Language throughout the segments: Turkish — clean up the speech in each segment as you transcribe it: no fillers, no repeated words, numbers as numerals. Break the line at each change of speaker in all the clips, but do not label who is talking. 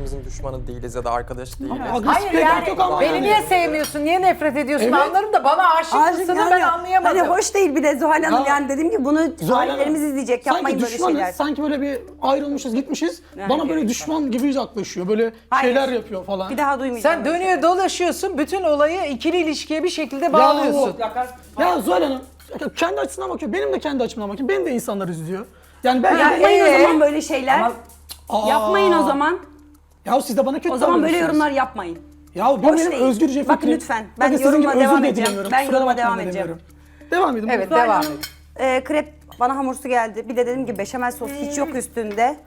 birbirimizin düşmanı değiliz ya da arkadaş değiliz.
Hayır yani
yok ama
beni
yani.
niye sevmiyorsun, niye nefret ediyorsun
Evet.
anlarım da bana aşık mısın ben anlayamadım.
Hani hoş değil bir de Zuhal Hanım
Ya,
yani dediğim gibi bunu
Zuhal
ailelerimiz
Hanım,
izleyecek yapmayın
sanki
böyle
düşmanız,
şeyler.
sanki böyle bir ayrılmışız gitmişiz.
Yani
Bana böyle
gerçekten.
düşman gibi yaklaşıyor. Böyle
Hayır.
şeyler yapıyor falan.
Bir daha duymayacağım.
Sen dönüyor dolaşıyorsun, bütün olayı ikili ilişkiye bir şekilde bağlıyorsun.
Ya Zuhal Hanım kendi açısından bakıyor. Benim de kendi açımdan bakıyor. Benim de insanlar üzülüyor. Yani ben
Yapmayın o zaman böyle şeyler.
Aa.
Yapmayın o zaman.
Ya siz de bana kötü
O zaman böyle
davranıyorsunuz.
yorumlar yapmayın.
Ya bu
Hoş
benim
değil.
özgürce fikrim.
Bakın lütfen, ben
Bakın sizin gibi
yoruma
özür
devam
de
edeceğim.
dilemiyorum.
Ben
Kusura
yoruma
bakmayın
devam
da
edeceğim.
demiyorum. Devam edin.
Evet,
buyurun.
devam
Zuhal
et.
Hanım, krep bana hamursu geldi. Bir de dediğim gibi beşamel sos hiç yok üstünde.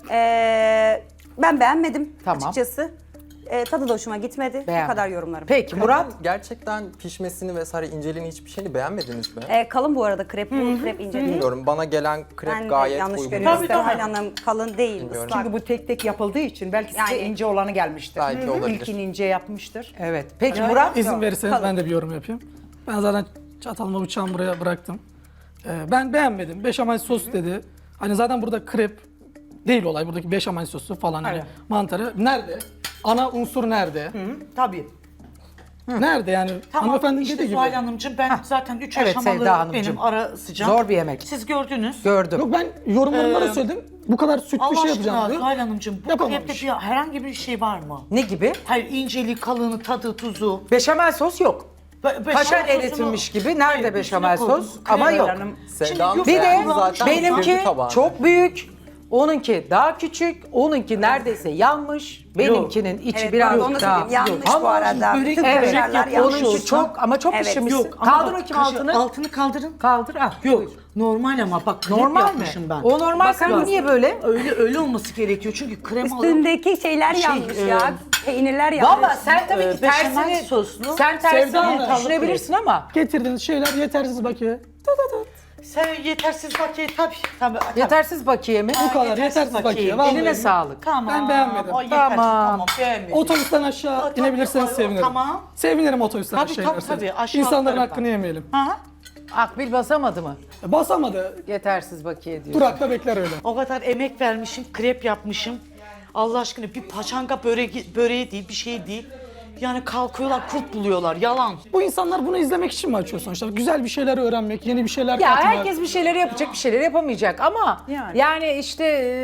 Ben beğenmedim
Tamam.
açıkçası. Tadı da hoşuma gitmedi.
Beğenmedim.
Bu kadar yorumlarım.
Peki Murat?
Gerçekten pişmesini vesaire inceliğini hiçbir şeyini beğenmediniz mi?
Kalın bu arada krep, bu krep ince değil.
Bilmiyorum, bana gelen krep
Ben de
gayet
yanlış
uygun.
görüyorum.
Tabii, tabii.
Zuhal Hanım kalın değil,
Bilmiyorum.
ıslak.
Çünkü bu tek tek yapıldığı için belki size
Yani-
ince olanı gelmiştir.
Belki olabilir.
İlkini ince yapmıştır.
Evet. Peki Murat?
İzin verirseniz ben de bir yorum yapayım. Ben zaten çatalımı bıçağımı buraya bıraktım. Ben beğenmedim. Beşamel sos dedi. Hani zaten burada krep değil olay. Buradaki beşamel sosu falan hani
Evet.
mantarı. Nerede? Ana unsur nerede?
Tabii.
Nerede yani?
Tamam
Hanımefendinin
işte
dediği gibi.
Zuhal Hanımcığım ben zaten 3
Evet,
aşamalı
Sevda Hanımcığım.
benim ara sıcağım.
Zor bir yemek.
Siz gördünüz.
Gördüm.
Yok ben yorumlarımda da söyledim. Bu kadar süt bir
Allah
şey
aşkına
yapacağım diyor.
Zuhal Hanımcığım bu
Yapamamış.
krepte bir, herhangi bir şey var mı?
Ne gibi?
Hayır inceliği, kalını, tadı, tuzu.
Beşamel sos yok. Kaşar
sosunu-
eritilmiş gibi. Nerede
Hayır,
beşamel
üstüne koydum.
sos? Ama
Krem
yok.
Hanım.
Sevda Hanım
Bir
Bir de
beğendi zaten,
benimki
bitirdi tabağını.
çok büyük, onunki daha küçük, onunki neredeyse yanmış, benimkinin içi
Evet,
biraz
pardon, onu
daha
söyleyeyim. Yanlış
Ama
bu arada.
börek-
Bütün
evet,
kaşarlar yanlış
onunki
olsun.
çok ama çok
Evet.
pişirmişsin.
Yok ama
Kaldır
bak,
bakayım altını.
Altını kaldırın.
Kaldır. Ah,
Yok
buyur.
normal ama bak krep
Normal mi?
yapmışım ben.
O normal, sen bu niye böyle?
Öyle olması gerekiyor çünkü krem alıp
Üstündeki şeyler yanlış ya. Peynirler yanlış.
Valla sen tabii ki
beşamel
tersini,
soslu.
sen tersini
Sevda Hanım.
düşünebilirsin ama
Getirdiğiniz şeyler yetersiz bakıyor.
Sen yetersiz bakiye tabii.
yetersiz bakiye mi?
Bu kadar yetersiz bakıyor. Vallahi.
Eline sağlık.
Tamam.
Ben beğenmedim.
O yetersiz,
Tamam.
beğenmedim.
Otobüsten aşağı
Tabii,
inebilirseniz
tabii,
sevinirim.
tamam.
Sevinirim otobüsten
Tabii,
aşağı
tabii,
inerseniz.
tabii. Aşağı
İnsanların
atlarım
hakkını
ben.
yemeyelim.
Ha?
Akbil basamadı mı?
Basamadı.
Yetersiz bakiye diyor.
Durakta bekler öyle.
O kadar emek vermişim, krep yapmışım. Allah aşkına bir paçanga böreği değil, bir şey değil. Yani kalkıyorlar, kurt buluyorlar, yalan.
Bu insanlar bunu izlemek için mi açıyor sonuçta? Güzel bir şeyler öğrenmek, yeni bir şeyler
Ya
katmak.
herkes bir şeyleri yapacak, bir şeyleri yapamayacak ama yani işte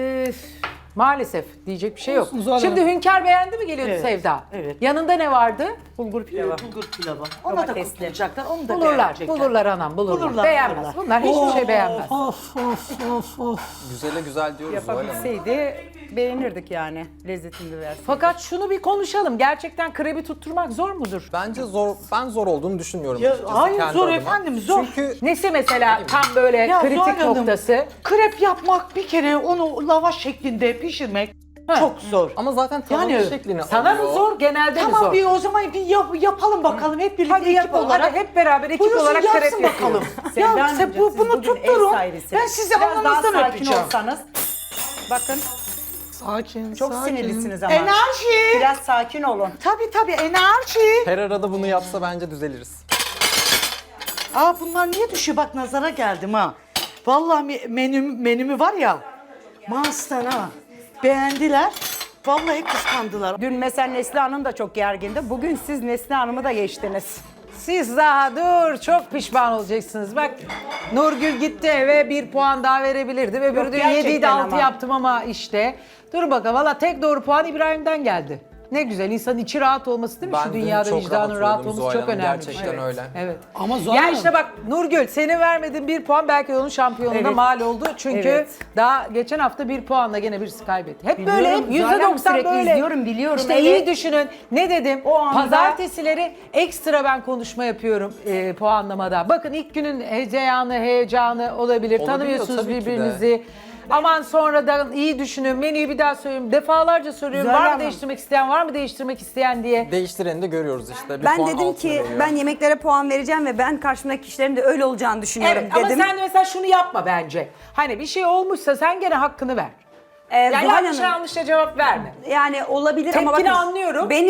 maalesef diyecek bir şey yok.
Olsun, Zuhal
Şimdi
Hanım.
Hünkar beğendi mi geliyordu
Evet,
Sevda?
evet.
Yanında ne vardı?
Bulgur pilavı. Bulgur pilavı. Ona da
Domatesli.
kurtulacaklar, onu da
Bulurlar,
beğenecekler.
bulurlar anam, bulurlar.
Bulurlar,
Beğenmez.
bulurlar.
Bunlar hiçbir şey beğenmez.
Of of of of.
Güzele güzel diyoruz Zuhal Hanım.
Yapabilseydi beğenirdik yani lezzetini versin.
Fakat şunu bir konuşalım. Gerçekten krebi tutturmak zor mudur?
Bence zor, ben zor olduğunu düşünmüyorum.
Ya,
açıkçası
hayır,
kendi
zor
adıma.
efendim, zor.
Çünkü
Nesi mesela tam böyle
Ya Zuhal
kritik
Hanım,
noktası?
Krep yapmak bir kere onu lavaş şeklinde pişirmek çok zor.
ama zaten tavanın
Yani
şeklini
Sana mı
alıyor.
zor, genelde mi
Tamam
zor?
bir o zaman bir yapalım bakalım hep birlikte
Hadi
ekip
yapalım.
olarak.
Hadi hep beraber ekip
Buyursun,
olarak
yapsın
krep
bakalım.
yapıyoruz.
Ya
Sevda
sen
Hanımcığım, siz
bunu
bugün ev
tutturun.
sahibisiniz.
Ben sizi
Biraz daha
alnınızdan
sakin
öpeceğim.
olsanız. Bakın
Sakin,
çok
sakin.
sinirlisiniz ama.
Enerji.
Biraz sakin olun.
Tabii enerji.
Her arada bunu yapsa bence düzeliriz.
Aa bunlar niye düşüyor? Bak nazara geldim ha. Vallahi menümü var ya. Mars'tan ha. Beğendiler. Vallahi kıskandılar.
Dün mesela Neslihan'ın da çok gergindi. Bugün siz Neslihan'ımı da geçtiniz.
Siz daha dur, çok pişman olacaksınız. Bak Nurgül gitti eve 1 puan daha verebilirdi. Öbürü
Yok,
diyor 7'yi de
gerçekten
6
ama.
yaptım ama işte. Dur bakalım valla tek doğru puan İbrahim'den geldi. Ne güzel insanın içi rahat olması değil mi?
Ben
Şu
dün
dünyada
çok
vicdanın
rahat
rahat
uyudum
olması
Zuhal
çok
Hanım,
önemli.
gerçekten
Evet.
öyle.
Evet.
Ama Zuhal
Ya
Hanım,
işte bak Nurgül senin vermediğin 1 puan belki onun şampiyonluğuna
Evet.
mal oldu. Çünkü
Evet.
daha geçen hafta 1 puanla gene birisi kaybetti. Hep
Biliyorum,
böyle hep
Zuhal Hanım
%90
sürekli
böyle.
izliyorum, biliyorum,
İşte
evet.
iyi düşünün. Ne dedim?
O anda-
Pazartesileri ekstra ben konuşma yapıyorum puanlamada. Bakın ilk günün heyecanı olabilir. Tanımıyorsunuz
tabii ki de.
birbirinizi. Aman sonradan iyi düşünün. Menüyü bir daha söylüyorum. Defalarca soruyorum.
Zuhal
Var mı
Hanım.
değiştirmek isteyen, var mı değiştirmek isteyen diye.
Değiştireni de görüyoruz işte. Bir
Ben
puan
dedim
altı
ki
veriyor.
ben yemeklere puan vereceğim ve ben karşımdaki kişilerin de öyle olacağını düşünüyorum
Evet ama
dedim.
sen de mesela şunu yapma bence. Hani bir şey olmuşsa sen gene hakkını ver. Yani
Zuhal
yanlış
Hanım,
yanlışa cevap verme.
yani olabilir ama
Tepkini
bakın
anlıyorum.
benim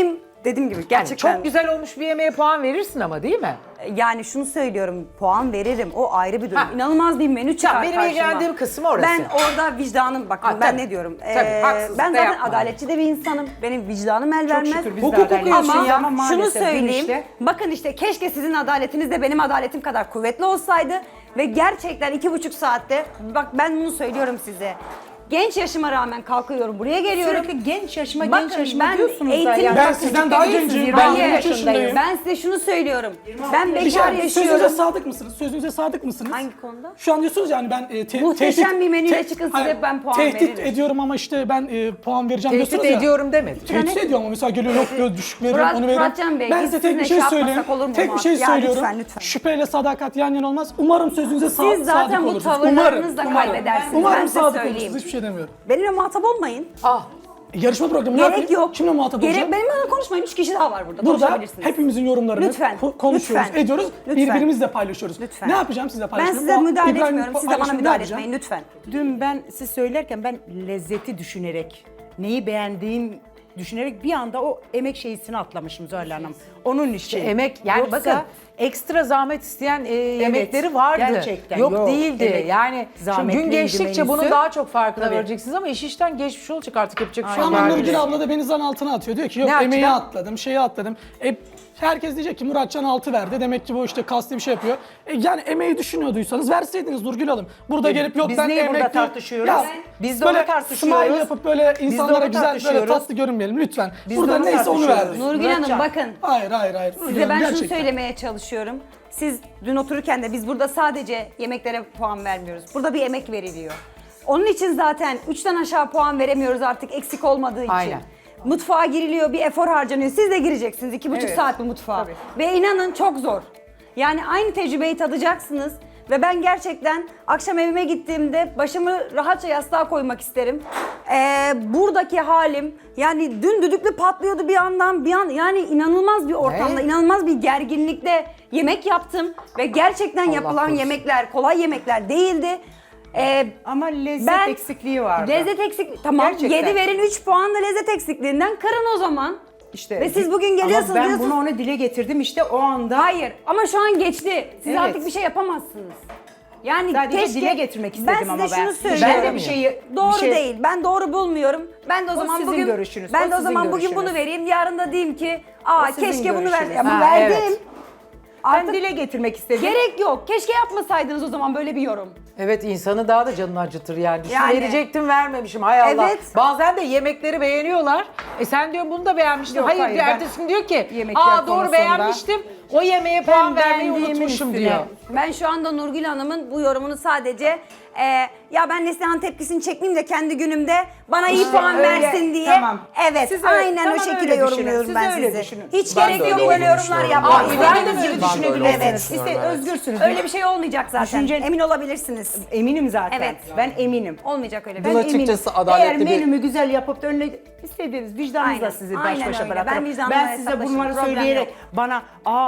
dediğim gibi
Yani
gerçekten
çok güzel olmuş bir yemeğe puan verirsin ama değil mi?
yani şunu söylüyorum, puan veririm. O ayrı bir durum.
Ha.
İnanılmaz bir menü çıkar
benim
karşıma.
ilgilendiğim kısım orası.
Ben orada vicdanım, bakın
Ha,
ben
tabii.
ne diyorum.
Tabii, haksızlık
ben
da
zaten
yapma.
adaletçi de bir insanım. Benim vicdanım el vermez.
şükür biz de
Hukuk
adaletliyiz
okuyorsun ya,
ama
şunu
maalesef dün
söyleyeyim.
işte-
Bakın işte keşke sizin adaletiniz de benim adaletim kadar kuvvetli olsaydı. Ve gerçekten 2,5 saatte, bak ben bunu söylüyorum size. Genç yaşıma rağmen kalkıyorum, buraya geliyorum.
Sürekli genç yaşıma
Bakın,
genç yaşıma
ben
diyorsunuz da
eğitim-
yani.
Ben
Bak,
sizden
küçük
daha
değilsiniz,
gencim.
20
Ben
yaşındayım.
23 yaşındayım.
Ben size şunu söylüyorum. Ben
Bir
bekar
şey, sözünüze
yaşıyorum.
sadık mısınız? Sözünüze sadık mısınız?
Hangi konuda?
Şu an diyorsunuz yani ben
Muhteşem bir menüyle çıkın size,
Hayır,
ben puan
tehdit
veririm.
ediyorum ama işte ben puan vereceğim
Tehdit
diyorsunuz ya.
ediyorum demedim.
Tehdit ediyorum ama mesela geliyor yok diyor düşük veriyorum onu veriyorum.
Muratcan Bey,
Ben
biz
size tek bir
sizinle
şey
şey
söyleyeyim.
yapmasak olur mu
Tek bir şey
Ya
söylüyorum.
lütfen, lütfen.
Şüpheyle sadakat yan yana olmaz. Umarım sözünüze
Siz zaten
sadık
bu
olursunuz.
tavırlarınızla
Umarım.
kaybedersiniz.
Umarım
Ben size
sadık
söyleyeyim.
olursunuz. Hiçbir şey demiyorum.
Benimle muhatap olmayın.
Ah,
Yarışma programı ne
Gerek
yapayım?
yok.
Kimle muhatap olacağım?
Benimle konuşmayın. 3 kişi daha var burada.
Burada
Konuşabilirsiniz.
hepimizin yorumlarını
Lütfen,
konuşuyoruz,
lütfen,
ediyoruz.
lütfen.
Birbirimizle paylaşıyoruz.
Lütfen.
Ne yapacağım sizle
Ben
paylaşıyorum?
size müdahale
İbrahim
etmiyorum. Siz de bana
paylaşımı ne
müdahale
yapacağım?
etmeyin lütfen.
Dün ben siz söylerken ben lezzeti düşünerek, neyi beğendiğim düşünerek bir anda o emek şeysini atlamışım Zuhal Hanım. Onun için.
emek yani
Yoksa-
bakın ekstra zahmet isteyen yemekleri vardı.
gerçekten.
Yok,
Yok,
değildi.
evet.
Yani şu gün
Zahmetliydi
geçtikçe bunun
menüsü.
daha çok farkına
Tabii.
vareceksiniz ama iş işten geçmiş olacak artık yapacak bir şey
Ama
yok.
Nurgül abla da beni zan altına atıyor. Diyor ki yok
Ne
emeği
açıdan?
atladım, şeyi atladım. Herkes diyecek ki Muratcan 6 verdi. Demek ki bu işte kasti bir şey yapıyor. Yani emeği düşünüyorduysanız verseydiniz Nurgül Hanım. Burada gelip yok
biz
ben
niye burada
emekli...
tartışıyoruz?
Ya,
Biz de
böyle
onu tartışıyoruz.
smile yapıp böyle
Biz de
insanlara
onu
güzel böyle
tartışıyoruz.
tatlı görünmeyelim lütfen.
Biz
Burada
de onu
neyse onu
tartışıyoruz.
verdik.
Nurgül Hanım
Muratcan.
bakın.
Hayır. Nurgül
Size ben
Hanım,
şunu
gerçekten.
söylemeye çalışıyorum. Siz dün otururken de biz burada sadece yemeklere puan vermiyoruz. Burada bir emek veriliyor. Onun için zaten 3'ten aşağı puan veremiyoruz artık eksik olmadığı için.
Aynen.
Mutfağa giriliyor, bir efor harcanıyor. Siz de gireceksiniz 2,5
Evet.
saat bu mutfağa.
Tabii.
Ve inanın çok zor. Yani aynı tecrübeyi tadacaksınız. Ve ben gerçekten akşam evime gittiğimde başımı rahatça yastığa koymak isterim. Buradaki halim yani dün düdüklü patlıyordu bir yandan yani inanılmaz bir ortamda,
Ne?
inanılmaz bir gerginlikte yemek yaptım. Ve gerçekten yapılan
korusun.
yemekler kolay yemekler değildi.
Ama lezzet
Ben
eksikliği vardı.
Lezzet eksikliği. Tamam
Gerçekten.
7 verin 3 puan da lezzet eksikliğinden kırın o zaman.
İşte
Ve siz bugün geliyorsunuz
ama ben
diyorsunuz.
bunu ona dile getirdim işte o anda.
Hayır ama şu an geçti. Siz
Evet.
artık bir şey yapamazsınız. Yani
Sadece
keşke
dile getirmek istedim ama
Ben size
ben.
şunu söylüyorum.
Ben de bir şeyi-
doğru
bir şey-
değil. Ben doğru bulmuyorum. Ben de o zaman
sizin
bugün
görüşünüz,
Ben
o
de o
sizin
zaman bugün
görüşünüz.
bunu vereyim. Yarın da diyeyim ki
sizin
keşke bunu
görüşünüz.
Ama
Ha,
verdim.
evet.
Ben
Artık
dile getirmek istedim.
gerek yok. Keşke yapmasaydınız o zaman böyle bir yorum.
Evet, insanı daha da canını acıtır yani. Düşün,
Yani.
verecektim vermemişim, hay Allah.
Evet.
Bazen de yemekleri beğeniyorlar. Sen diyor bunu da beğenmiştin.
Yok,
hayır,
hayır,
diyor,
ben
ertesi gün diyor ki
yemekler
doğru
konusunda
beğenmiştim. O yemeğe puan vermeyi
beğendiğimin
unutmuşum
üstüne-
diyor.
Ben şu anda Nurgül Hanım'ın bu yorumunu sadece ya ben Neslihan'ın tepkisini çekmeyeyim de kendi günümde bana iyi puan
öyle,
versin diye.
tamam.
Evet,
Siz öyle-
aynen
tamam,
o şekilde
öyle düşünün.
yorumluyorum
Siz
ben
öyle
sizi.
düşünün.
Hiç
Ben
gerek
de
yok
öyle
böyle yorumlar
düşünüyorum.
yapmaya.
İbrahim de
İstediğiniz
öyle
gibi
düşünebilirsiniz.
Evet.
Siz de
Evet.
özgürsünüz.
Öyle bir şey olmayacak zaten.
Düşüncen-
Emin olabilirsiniz.
Eminim zaten.
Evet.
Ben eminim.
Olmayacak öyle bir
Ben
şey.
açıkçası
eminim.
adaletli
Eğer
bir-
menümü güzel yapıp da önüne istediğiniz vicdanınızla
Aynen,
sizi baş
aynen
başa
öyle.
bırakırım.
Ben vicdanımla
Ben size
hesaplaşırım,
bunları
problem
söyleyerek
yok.
bana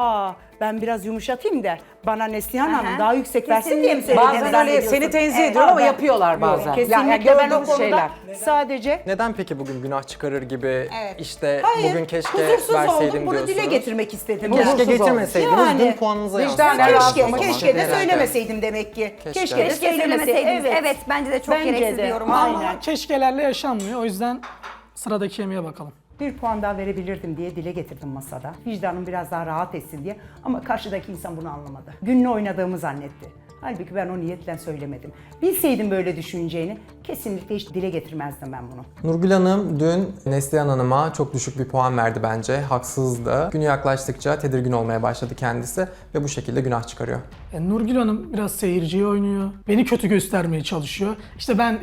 ben biraz yumuşatayım da bana Neslihan
Aha.
Hanım daha yüksek versin diye mi
Kesinlikle.
söylediniz?
Bazen
Evet,
öyle seni
ediyorsun.
tenzih
Evet.
ediyorum ama
Ben-
yapıyorlar bazen.
Kesinlikle
Yani
ben o
gördüğüm
konuda
şeyler.
sadece
Neden peki bugün günah çıkarır gibi
Evet.
işte
hayır,
bugün keşke
huzursuz
verseydim
oldum. Bunu dile
diyorsunuz?
getirmek istedim.
Keşke
Huzursuz oldum.
getirmeseydiniz
Yani,
dün puanınıza
vicdanen
yansıdı.
rahatlamak
Keşke de
Herhalde.
söylemeseydim demek ki.
Keşke.
Keşke de
Keşke söylemeseydiniz. Evet. bence de çok
Bence
gereksiz
de.
bir yorum.
Aynen.
Ama keşkelerle yaşanmıyor. O yüzden sıradaki yemeğe bakalım.
Bir puan daha verebilirdim diye dile getirdim masada. Vicdanım biraz daha rahat etsin diye. Ama karşıdaki insan bunu anlamadı. Gününü oynadığımı zannetti. Halbuki ben o niyetle söylemedim. Bilseydim böyle düşüneceğini kesinlikle hiç dile getirmezdim ben bunu.
Nurgül Hanım dün Neslihan Hanım'a çok düşük bir puan verdi bence. Haksızdı. Günü yaklaştıkça tedirgin olmaya başladı kendisi ve bu şekilde günah çıkarıyor.
Nurgül Hanım biraz seyirciye oynuyor. Beni kötü göstermeye çalışıyor. İşte ben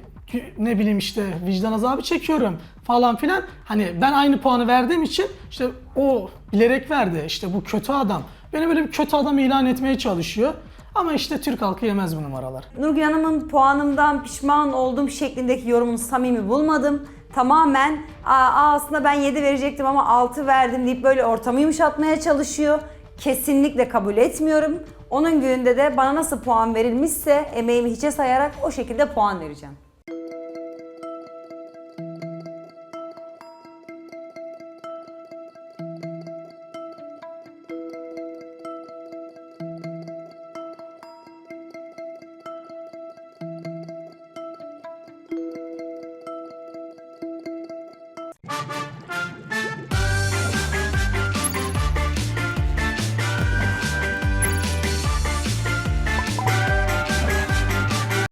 ne bileyim işte vicdan azabı çekiyorum falan filan. Hani ben aynı puanı verdiğim için işte o bilerek verdi. İşte bu kötü adam. Beni böyle bir kötü adam ilan etmeye çalışıyor. Ama işte Türk halkı yemez bu numaralar.
Nurgül Hanım'ın puanımdan pişman olduğum şeklindeki yorumunu samimi bulmadım. Tamamen aslında ben 7 verecektim ama 6 verdim deyip böyle ortamı yumuşatmaya çalışıyor. Kesinlikle kabul etmiyorum. Onun gününde de bana nasıl puan verilmişse emeğimi hiçe sayarak o şekilde puan vereceğim.